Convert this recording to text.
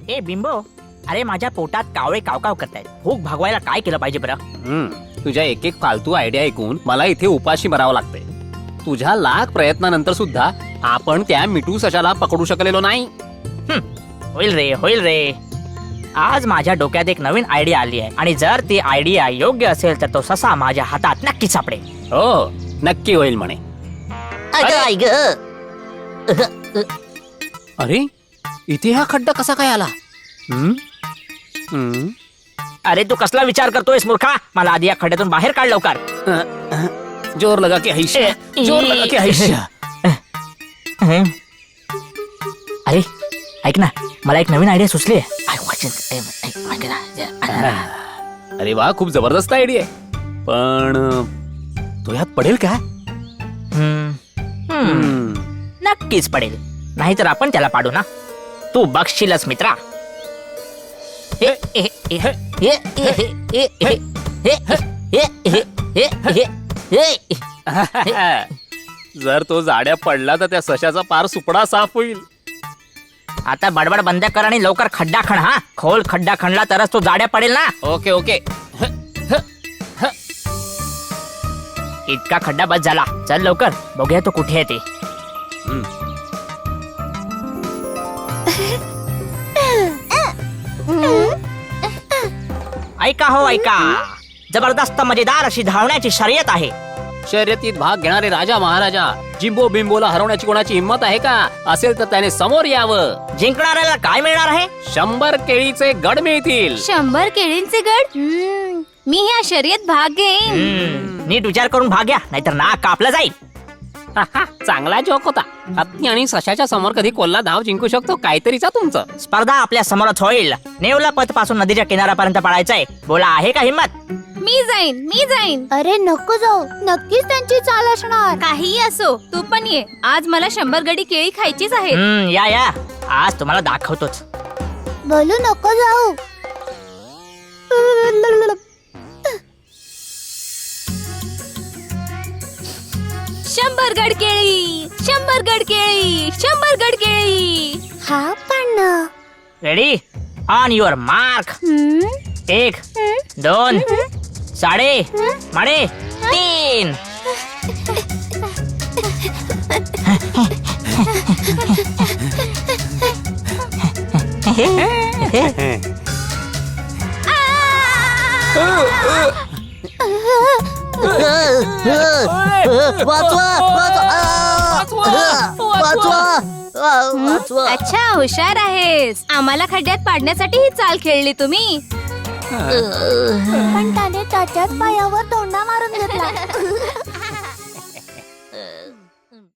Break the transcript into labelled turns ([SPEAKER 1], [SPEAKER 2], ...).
[SPEAKER 1] ए बिंबो, अरे माझ्या पोटात कावळे कावकाव करतायत. भूक भागवायला काय केलं पाहिजे बरं?
[SPEAKER 2] तुझ्या एक एक फालतू आयडिया ऐकून मला इथे उपाशी मरावं लागतंय. तुझ्या लाख प्रयत्नानंतर सुद्धा आपण त्या मिठू सशाला पकडू शकलेलो नाही.
[SPEAKER 1] होईल रे, होईल रे. आज माझ्या डोक्यात एक नवीन आयडिया आली आहे आणि जर ती आयडिया योग्य असेल तर तो ससा माझ्या हातात नक्की सापडेल.
[SPEAKER 2] हो, नक्की होईल म्हणे. अरे, इथे हा खड्डा कसा काय आला?
[SPEAKER 1] अरे तू कसला विचार करतोयस मूर्खा? मला आधी या खड्ड्यातून बाहेर काढ लवकर.
[SPEAKER 2] जोर लगा के हैशा, जोर लगा के हैशा.
[SPEAKER 1] अरे ऐक ना, मला एक नवीन आयडिया सुचली आहे.
[SPEAKER 2] अरे वा, खूप जबरदस्त आयडिया आहे. पण तो यात पडेल का?
[SPEAKER 1] नक्कीच पडेल. नाहीतर आपण त्याला पाडू ना. तू बघशीलच मित्रा.
[SPEAKER 2] जर तो जाड्या पडला तर त्या सशाचा पार सुपडा साफ होईल.
[SPEAKER 1] आता बडबड बंद कर आणि लवकर खड्डा खण. हा, खोल खड्डा खणला तरच तो जाड्या पडेल ना.
[SPEAKER 2] Okay okay.
[SPEAKER 1] इतका खड्डा बस झाला. चल लवकर बघूया तो कुठे आहे ते. ऐका हो ऐका, जबरदस्त मजेदार अशी धावण्याची शर्यत आहे.
[SPEAKER 2] शर्यतीत भाग घेणारे राजा महाराजा जिंबो बिंबोला हरवण्याची कोणाची हिंमत आहे का? असेल तर त्याने समोर यावं.
[SPEAKER 1] जिंकणाऱ्याला काय मिळणार आहे?
[SPEAKER 2] 100 केळीचे गड मिळतील.
[SPEAKER 3] 100 केळींचे गड? मी या शर्यत भाग घेईन.
[SPEAKER 1] नीट विचार करून भाग घ्या, नाहीतर नाक कापलं जाईल.
[SPEAKER 2] चांगला जोक होता. हत्ती आणि सशाच्या समोर कधी कोल्हा धाव जिंकू शकतो काहीतरीचा तुमचं.
[SPEAKER 1] स्पर्धा आपल्या समोरच होईल. नेवला पथ पासून नदीच्या किनाऱ्यापर्यंत पळायचंय. बोला, आहे का हिंमत?
[SPEAKER 3] मी जाईन.
[SPEAKER 4] अरे नको जाऊ, नक्कीच त्यांची चाल असणार.
[SPEAKER 3] काहीही असो, तू पण ये. आज मला 100 गडी केळी खायचीच आहे.
[SPEAKER 1] या आज तुम्हाला दाखवतोच.
[SPEAKER 4] बोलू नको जाऊ.
[SPEAKER 3] 100 गड केळी, 100 गड केळी, 100 गड केळी.
[SPEAKER 4] हा पण
[SPEAKER 1] रेडी, ऑन युअर मार्क. 1 2 साडे माडे 3.
[SPEAKER 3] अच्छा, हुशार आहेस. आम्हाला खड्ड्यात पाडण्यासाठी ही चाल खेळली तुम्ही.
[SPEAKER 4] पण त्याने त्याच्याच पायावर तोंडा मारून घेतला.